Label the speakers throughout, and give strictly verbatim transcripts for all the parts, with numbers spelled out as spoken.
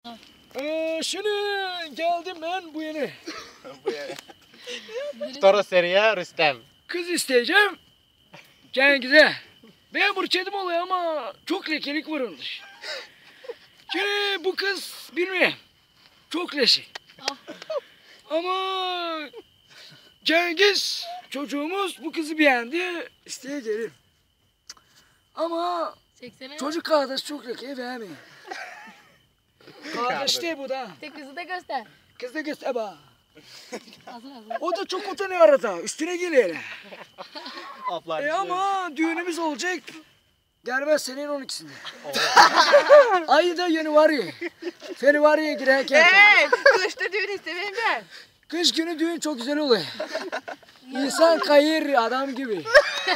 Speaker 1: Ee, şimdi geldim ben bu yeni.
Speaker 2: Bu yeni. Toros seriye Rüstem.
Speaker 1: Kız isteyeceğim. Cengiz'e. Ben burçedim oluyor ama çok lekelik var onun. Şimdi bu kız bilmiyorum. Çok leşi. Ama Cengiz çocuğumuz bu kızı beğendi. İsteyeceğim. Ama çocuk kardeş çok lekeyi beğenmiyor. Kardeş değil bu da.
Speaker 3: İşte kızı da göster.
Speaker 1: Kız da göster bak.
Speaker 3: Hazır hazır.
Speaker 1: O da çok utanıyor arada. Üstüne geliyor.
Speaker 2: Ablar.
Speaker 1: E ama düğünümüz olacak. Gelmez senenin on ikisinde. Ayı da yeni var ya. Ferivarı'ya girerken.
Speaker 4: Eee kışta düğün istemeyim ben.
Speaker 1: Kış günü düğün çok güzel oluyor. İnsan kayır adam gibi.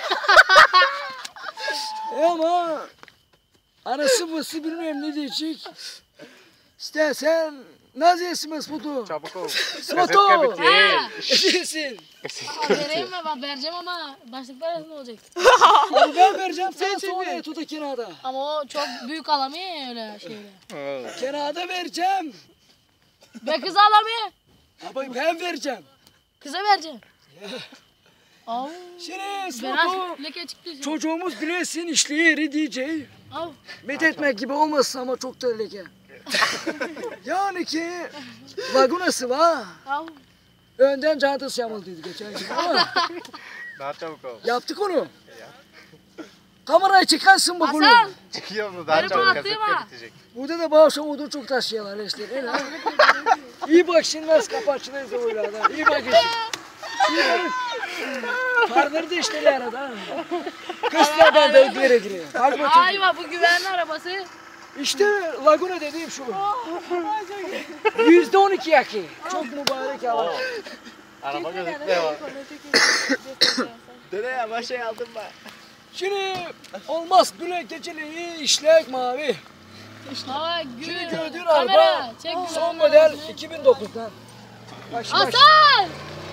Speaker 1: E ama anası bası bilmem ne diyecek. İstersen nasıl yesin Mesut'u?
Speaker 2: Çabuk ol.
Speaker 1: Mesut'u!
Speaker 2: Kaset
Speaker 3: Ha.
Speaker 1: Edirsin.
Speaker 3: Vereyim mi? Ben vereceğim ama başlıklar arasında olacak.
Speaker 1: Abi ben vereceğim sana sonra et o da kenarda.
Speaker 3: Ama o çok büyük alamıyor ya öyle şeyle.
Speaker 1: Kenarda vereceğim.
Speaker 3: Ben kızı alamıyor.
Speaker 1: Abi ben vereceğim.
Speaker 3: Kıza vereceğim. Av.
Speaker 1: Şimdi
Speaker 3: Ben
Speaker 1: Mesut'u
Speaker 3: artık leke çıktı.
Speaker 1: çocuğumuz bilesin işli yeri diyeceği.
Speaker 3: Av.
Speaker 1: Met etmek gibi olmasın ama çok da leke. Yani ki lagunası var.
Speaker 3: Av.
Speaker 1: Önden çantası yamıldıydı geçen gün ama
Speaker 2: Daha çabuk ol.
Speaker 1: yaptık onu. Kamerayı çıkarsın bak
Speaker 3: Hasan.
Speaker 1: oğlum.
Speaker 2: Çıkıyor mu? Daha
Speaker 3: Benim
Speaker 2: çabuk
Speaker 3: attığım
Speaker 2: kaset
Speaker 3: ha.
Speaker 2: bitecek.
Speaker 1: Burada da bağışa odun çok taşıyorlar işte. Öyle ha. İyi bak şimdi nasıl kapatçılıyız o öyle adam. İyi bak işte. İyi bak. Farları da işte arada. Kızlar ben de bir yere giriyor. Fark bakayım.
Speaker 3: Ayva bu güvenli arabası.
Speaker 1: İşte Laguna dediğim şu. Yüzde on iki yakı. Çok mübarek hava.
Speaker 2: Araba gözükmüyor ama. Dede ya başa aldım ben.
Speaker 1: Şimdi olmaz böyle geceliği işlek mavi.
Speaker 3: Hava
Speaker 1: Şimdi
Speaker 3: gün.
Speaker 1: gördüğün
Speaker 3: Kamera.
Speaker 1: araba
Speaker 3: Çek
Speaker 1: son
Speaker 3: güvenli
Speaker 1: model
Speaker 3: arabasını.
Speaker 1: iki bin dokuzdan. Bak şimdi bak.
Speaker 3: Hasan.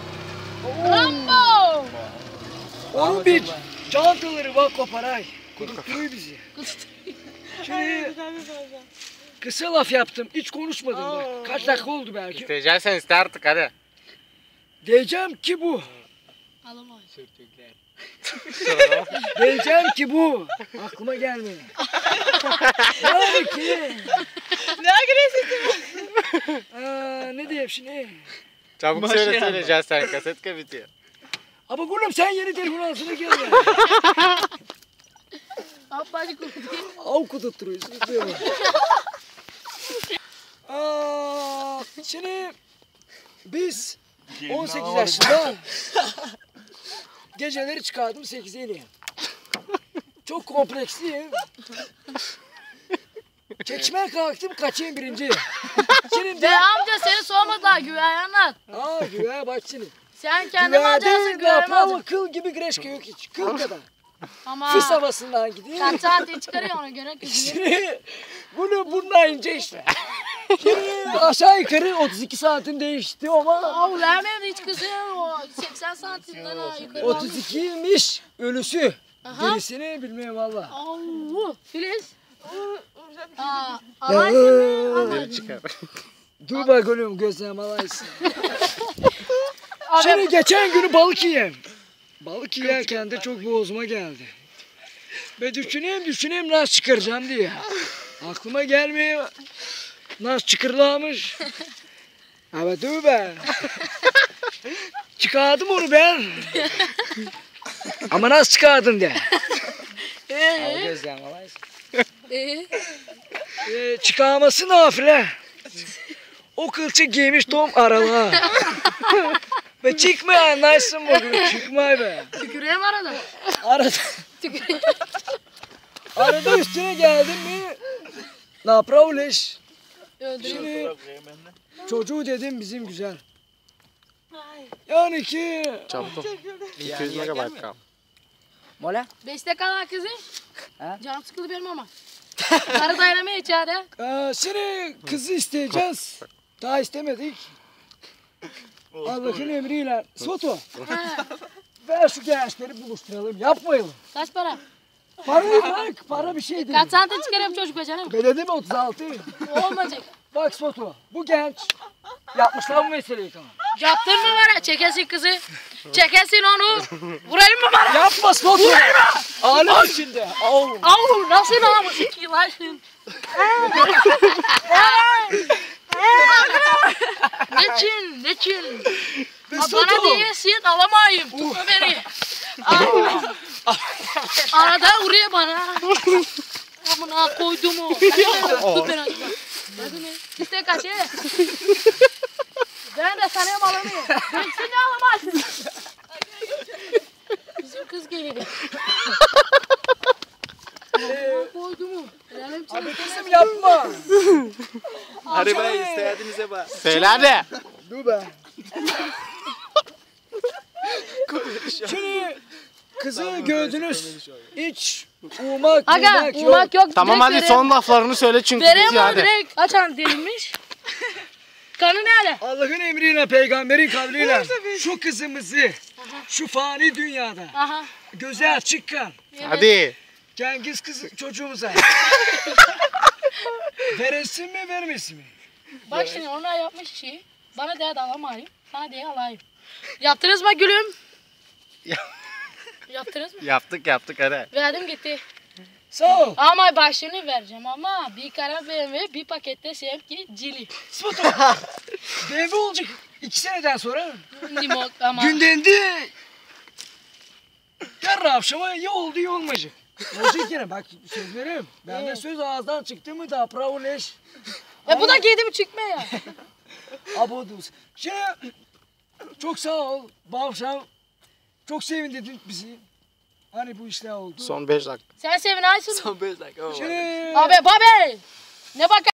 Speaker 3: Rambo.
Speaker 1: Onun bir çantaları bak koparay. Kudurtturuyor bizi. Şimdi kısa laf yaptım. Hiç konuşmadım bak. Kaç dakika oldu belki.
Speaker 2: İsteyeceksen iste artık hadi.
Speaker 1: Diyeceğim ki bu.
Speaker 3: Alamam.
Speaker 1: Diyeceğim ki bu. Aklıma gelmiyor. Yani ki.
Speaker 4: Ne agresif.
Speaker 1: Aa, ne diyeyim şimdi?
Speaker 2: Çabuk
Speaker 5: Başa
Speaker 2: söyle
Speaker 5: yanma.
Speaker 2: söyleyeceksin kaset ka bitiyor.
Speaker 1: Ama gülüm sen yeni telefon alsana gel.
Speaker 3: Abbacık kurdu.
Speaker 1: Av kudurtturuyorsun. Aa, şimdi biz on sekiz yaşında geceleri çıkardım sekize iniyorum. Çok kompleksliyim. Çekişmeye kalktım kaçayım birinci. Şimdi de...
Speaker 3: Be amca seni sormadılar güven anlat.
Speaker 1: Aa güve bak şimdi.
Speaker 3: Sen kendin alacaksın
Speaker 1: Güvede
Speaker 3: güven
Speaker 1: yapma
Speaker 3: alacaksın.
Speaker 1: kıl gibi greşke yok hiç. Kıl kadar.
Speaker 3: Ama
Speaker 1: Fıs havasından gidiyor.
Speaker 3: kaç saat çıkarıyor ona göre kızıyor.
Speaker 1: Şimdi bunu bununla ince işte. Şimdi aşağı yukarı otuz iki santim değişti ama
Speaker 3: Av vermem de hiç kızıyor o seksen santimden ha yukarı
Speaker 1: otuz ikiymiş ölüsü.
Speaker 3: Aha.
Speaker 1: Gerisini bilmiyorum valla.
Speaker 3: Au Filiz. Aa,
Speaker 1: Ya,
Speaker 3: alaysın mı?
Speaker 1: ıı,
Speaker 3: Alaysın.
Speaker 2: Çıkar.
Speaker 1: Dur bak oğlum gözlerime alaysın. Şimdi geçen günü balık yiyeyim. Balık yerken de çok boğazıma geldi. Ve düşüneyim düşüneyim nasıl çıkaracağım diye. Aklıma gelmiyor. Nasıl çıkırlamış. Evet dur be. Çıkardım onu ben. Ama nasıl çıkardın de. Al
Speaker 3: Ee,
Speaker 1: gözlerime alaysın.
Speaker 3: ee,
Speaker 1: Ee, çıkarması nafile. O kılçık giymiş tom aralığa. Ve çıkma anlarsın bugün. Çıkma be.
Speaker 3: tüküreyim arada.
Speaker 1: Arada,
Speaker 3: Tüküreyim.
Speaker 1: arada üstüne geldim mi? Ne pravleş.
Speaker 3: Öldüreyim.
Speaker 1: Şimdi çocuğu dedim bizim güzel. Yani ki.
Speaker 2: Çabuk ol. iki yüz megabayt kal.
Speaker 1: Mola?
Speaker 3: Beşte kalan kızı.
Speaker 1: Ha?
Speaker 3: Canım sıkıldı benim ama. Karı dayanamıyor içeride.
Speaker 1: Ee, seni kızı isteyeceğiz. Daha istemedik. Allah'ın emriyle. Soto.
Speaker 3: Ha,
Speaker 1: Ver şu gençleri buluşturalım. Yapmayalım.
Speaker 3: kaç para?
Speaker 1: Parayı bırak. Para bir şey değil.
Speaker 3: Kaç santim çıkarayım çocuk be canım?
Speaker 1: Belediye mi otuz altı?
Speaker 3: Olmayacak.
Speaker 1: Bak foto. Bu genç. Yapmışlar bu meseleyi tamam.
Speaker 3: Yaptın mı bana? Çekesin kızı. Çekesin onu. Vurayım mı bana?
Speaker 1: Yapma foto. Ağlım içinde. Au.
Speaker 3: Au nasıl namus iki laşın. Neçin? Neçin? Ha, bana diyesin alamayayım. Tutma beni. Aa. Arada vuruyor bana. Amına koydum o. Tut beni acaba. Hadi mi? İste kaç ye. Ben de sana alamıyorum. Ben seni alamazsın. Bizim kız geliyor. Amına koydum o. Helalim
Speaker 1: Abi
Speaker 3: çekti.
Speaker 1: kızım yapma.
Speaker 2: Hadi bak istediğinize bak.
Speaker 5: Söyle hadi.
Speaker 1: Dur be. Şimdi kızı gördünüz. Hiç umak
Speaker 3: Aga
Speaker 1: umak yok.
Speaker 3: umak yok.
Speaker 5: Tamam
Speaker 3: direkt
Speaker 5: hadi
Speaker 3: vereyim.
Speaker 5: son laflarını söyle çünkü
Speaker 3: Vereyim
Speaker 5: bizi
Speaker 3: onu
Speaker 5: hadi.
Speaker 3: direkt. Açan değilmiş. Kanı nerede?
Speaker 1: Allah'ın emriyle, peygamberin kavliyle şu kızımızı şu fani dünyada
Speaker 3: Aha.
Speaker 1: göze açık kan
Speaker 3: Evet.
Speaker 5: Hadi.
Speaker 1: Cengiz kız çocuğumuza veresin mi vermesin mi?
Speaker 3: Bak şimdi onlar yapmış işi. Bana diye de alamayayım. Sana diye alayım. Yaptınız mı gülüm? Yaptınız mı?
Speaker 5: Yaptık yaptık hadi.
Speaker 3: Verdim gitti.
Speaker 1: Sağ ol.
Speaker 3: Ama başını vereceğim ama bir kara B M W bir pakette sevki cili.
Speaker 1: Spotu. B M W olacak iki seneden sonra.
Speaker 3: Limon ama.
Speaker 1: Gündendi. Yarın akşama ya oldu ya olmayacak. Olacak yine bak söz veriyorum. Ben de söz ağızdan çıktı mı da bravo leş.
Speaker 3: E bu da giydi mi çıkma ya.
Speaker 1: Aboduz. Şimdi çok sağ ol. Bavşam. Çok sevindirdin bizi. Hani bu işler oldu.
Speaker 5: Son beş dakika.
Speaker 3: Sen sevin Aysun.
Speaker 2: Son beş dakika.
Speaker 1: Şimdi
Speaker 3: Abi babe. Ne bak